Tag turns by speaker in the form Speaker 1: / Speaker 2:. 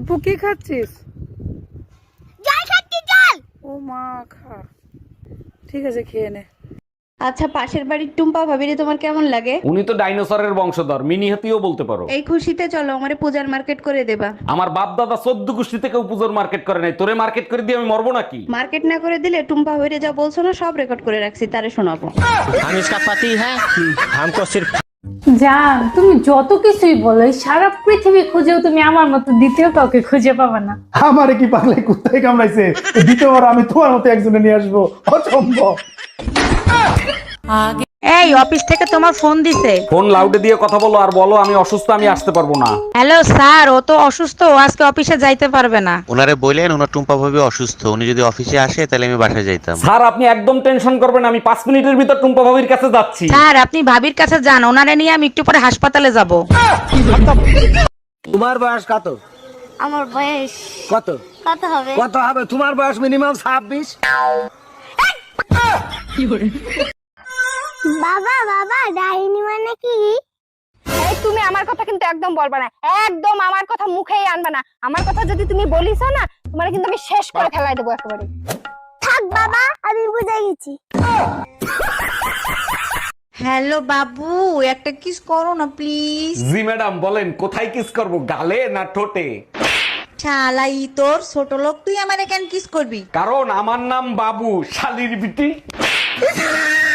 Speaker 1: আপু কি খাচ্ছিস?
Speaker 2: জল খাচ্ছি, জল।
Speaker 1: ও মা, খা। ঠিক আছে, খেয়ে নে।
Speaker 3: আচ্ছা, পাশের বাড়ির টুম্পা ভাবিরে তোমার কেমন লাগে?
Speaker 4: উনি তো ডাইনোসরের বংশধর, মিনি হাতিও বলতে পারো।
Speaker 3: এই খুশিতে চলো আমারে পূজার মার্কেট করে দেবা।
Speaker 4: আমার বাপ দাদা 14 গোষ্ঠী থেকে পুজোর মার্কেট করে নাই, তোরে মার্কেট করে দিয়ে আমি মরবো নাকি?
Speaker 3: মার্কেট না করে দিলে টুম্পা ভাবিরে যা বলছো না সব রেকর্ড করে রাখছি, তারে শোনাবো।
Speaker 5: हम इसका पति है, हमको सिर्फ
Speaker 6: জান, তুমি যত কিছুই বলো, এই সারা পৃথিবী খুঁজেও তুমি আমার মতো দ্বিতীয় কাউকে খুঁজে পাবে না।
Speaker 7: আমারে কি পাগলে কুত্তায় কামড়াইছে? দ্বিতীয়বার আমি তোমার মতো একজনে নিয়ে আসবো? অসম্ভব।
Speaker 8: এই অফিস থেকে তোমার ফোন দিছে।
Speaker 4: ফোন লাউডে দিয়ে কথা বলো আর বলো আমি অসুস্থ, আমি আসতে পারবো না।
Speaker 8: হ্যালো স্যার, ও তো অসুস্থ, ও আজকে অফিসে যাইতে পারবে না।
Speaker 9: ওনারে বললেন ওনার টুম্পা ভাবি অসুস্থ, উনি যদি অফিসে আসে তাহলে আমি বাসায় যাইতাম।
Speaker 4: স্যার আপনি একদম টেনশন করবেন, আমি 5 মিনিটের ভিতর টুম্পা ভাবির কাছে যাচ্ছি।
Speaker 8: স্যার আপনি ভাবির কাছে যান, ওনারে নিয়ে আমি একটু পরে হাসপাতালে যাব।
Speaker 5: তোমার বয়স কত?
Speaker 2: আমার বয়স
Speaker 5: কত
Speaker 2: কত হবে?
Speaker 5: কত হবে? তোমার বয়স মিনিমাম 26।
Speaker 2: বাবা বাবা, ডাইনি মানে কি?
Speaker 10: এই তুমি আমার কথা কিন্তু একদম বলবা না, একদম আমার কথা মুখেই আনবা না। আমার কথা যদি তুমি বলিস না, তোমার কিন্তু আমি শেষ করে ফেলাই দেবো একেবারে।
Speaker 2: থাক বাবা, আমি বুঝে গেছি।
Speaker 3: হ্যালো বাবু, একটা কিস করো না প্লিজ।
Speaker 4: জি ম্যাডাম বলেন, কোথায় কিস করব, গালে না ঠোঁটে?
Speaker 3: শালাই তোর ছোট লোক, তুই আমারে কেন কিস করবি?
Speaker 4: কারণ আমার নাম বাবু, শালির বিটি।